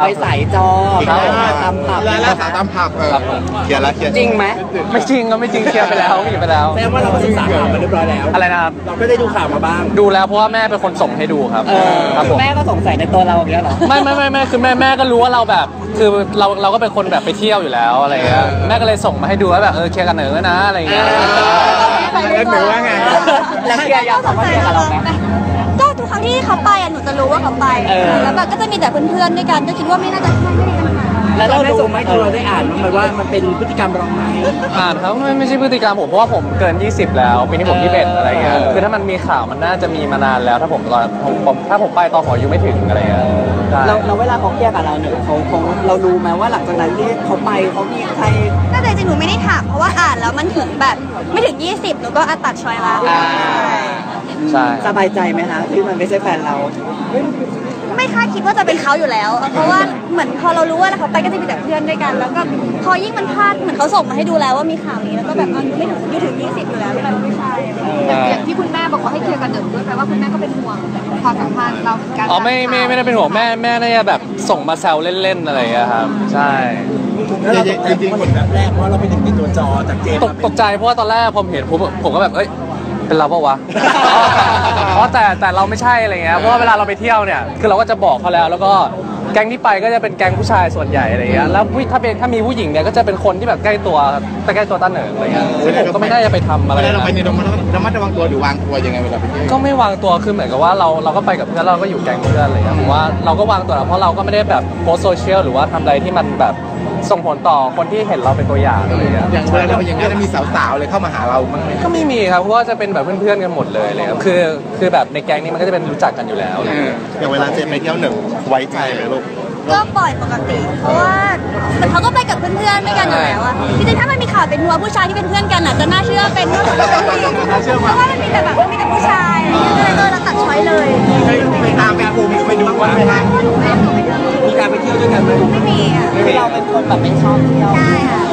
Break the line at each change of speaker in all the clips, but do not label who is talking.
ไปสายจอตามผับ
ร้านอาหารตามผับเคลียร์แล้วเคลียร์
จริงไหม
ไม่จริงก็ไม่จริงเคลียร์ไปแล้วเคลียร์ไปแล้ว
แสดงว่าเราก็ศึกษาข่าวมาเรียบร้อยแล้ว
อะไรนะครับ
เราก็ได้ดูข่าวมาบ้าง
ดูแล้วเพราะว่าแม่เป็นคนส่งให้ดูครับครับผม
แม่ก็สงสัยในตัวเราอย่างเงี้ยหรอ
ไม่คือแม่ก็รู้ว่าเราแบบคือเราก็เป็นคนแบบไปเที่ยวอยู่แล้วอะไรเงี้ยแม่ก็เลยส่งมาให้ดูว่าแบบเคลียร์กันเหนือนะอะไรเงี้ย
แล้วหนูว่าไง
แล้วเคลียร์ยังสองคนเคลียร์กับเราไหม
ก็ทุกครั้งที่เขาไปหนูจะรู้ว่าเขาไปแล้วแบบก็จะมีแต่เพื่อนๆด้วยกันก็คิดว่าไม่น่าจะไม่ได้ปัญหา
แล้วเราได้ส่งไหมเราได้อ่านมั้ยว่ามันเป็นพฤติกรรมเราไหม
อ่านครับไม่ใช่พฤติกรรมผมเพราะว่าผมเกิน20แล้วปีนี้ผม21อะไรเงี้ยคือถ้ามันมีข่าวมันน่าจะมีมานานแล้วถ้าผมไปตอนผมอายุไม่ถึงอะไรเงี้ย
เราเวลาเขาเคลียร์กับเราเนี่ยเขาเรารู้ไหมว่าหลังจากนั้นที่เขาไปเขามีใคร
น่าจะจริงหนูไม่ได้ถามเพราะว่าอ่านแล้วมันถึงแบบไม่ถึง20หนูก็ตัดช้อยละ
ใช่
สบายใจไหมคะที่มันไม่ใช่แฟนเรา
ไม่คาดคิดว่าจะเป็นเขาอยู่แล้วเพราะว่าเหมือนพอเรารู้ว่าเขาไปก็จะมีแต่เพื่อนด้วยกันแล้วก็พอยิ่งมันพลาดเหมือนเขาส่งมาให้ดูแล้วว่ามีข่าวนี้แล้วก็แบบไม่ถึง20อยู่แล้วมันไม่ใช่
อย่างที่คุณแม่บอกว่าให้เคลียร์กันเดิมด้วยแปลว่าคุณแม่ก็เป็นห่วงความสัมพันธ์เราการ
อ๋อไม่ได้เป็นห่วงแม่น่าจะแบบส่งมาแซวเล่นๆอะไรอย่างเงี้ยครับใช่
แล้วเราจริงๆคนแรกเพราะเราเป็นติดตัวจอจากเจม
ตกใจเพราะว่าตอนแรกผมเห็นผมก็แบบเป็นเราเปล่าวะเพราะแต่เราไม่ใช่อะไรเงี้ยเพราะว่าเวลาเราไปเที่ยวเนี่ยคือเราก็จะบอกเขาแล้วก็แก๊งที่ไปก็จะเป็นแก๊งผู้ชายส่วนใหญ่อะไรเงี้ยแล้วถ้ามีผู้หญิงเนี่ยก็จะเป็นคนที่แบบใกล้ตัวต้าเหนิงอะไรเงี้ยซึ่งผมก็ไม่ได้จะไปทำอะไร
เราไปในระมัดระวังตัวหรือวางตัวยังไงเวลาไปเที่ยว
ก็ไม่วางตัวคือเหมือนกับว่าเราก็ไปกับเพื่อนเราก็อยู่แก๊งเพื่อนอะไรเงี้ยผมว่าเราก็วางตัวแล้วเพราะเราก็ไม่ได้แบบโพสโซเชียลหรือว่าทำอะไรที่มันแบบส่งผลต่อคนที่เห็นเราเป็นตัวอย่างอะไรอย่างเงี้ย
อย่างเวลาเราอย่างเงี้ยมีสาวๆเลยเข้ามาหาเราบ้างไหม
ก็ไม่มีครับเพราะว่าจะเป็นแบบเพื่อนๆกันหมดเลยเลยครับคือแบบในแก๊งนี้มันก็จะเป็นรู้จักกันอยู่แล้ว
อย่างเวลาเจมไปเที่ยวหนึ่งไว้ใจไหมลูก
ก็ปล่อยปกติเพราะว่าเขาก็ไปกับเพื่อนๆด้วยกันอยู่แล้วอะจริงๆถ้ามันมีข่าวเป็นนัวผู้ชายที่เป็นเพื่อนกันอะจะน่าเชื่อเป็นผู้หญิงเพราะว่ามันมีแต่แบบมีแต่ผู้ชายอะไรเงี้ยก็เลยเราตัดช้อยเลย
ไปตามไปปูไปดูว่ามีการไปเที่ยวด้วยกันไหม
ไม่มีอะ
คือเราเป็นคนแบบไม่ชอบเที่ยว
ใช่ค่ะ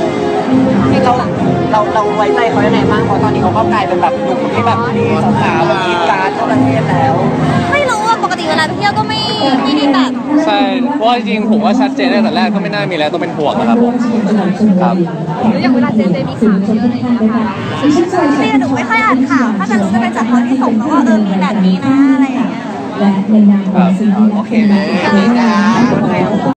เราไว้ใจเขาได้ไหนบ้างเพราะตอนนี้เขาก็กลายเป็นแบบหนุ่มที่แบบมีสาวๆแบบกินการทั่วประเทศแล้ว
ไม่รู้ว่าปกติเวลาไปเที่ยวก็ไม่ได้แบบ
ใช่เพราะจริงๆผมว่าชัดเจนตั้งแต่แรกก็ไม่น่ามีแล้วต้องเป็นห่วงนะครับผมครับ
แล้วอย่างเวลาเจมีข่าวเยอะเลยนะคะ
ที่หนูไม่ค่อยอ่านข่าวถ้าจะรู้จะเป็นจากเขาที่ส่งมาว่ามีแบบนี้นะอะไรอย่างเงี้ย
โอเคไหม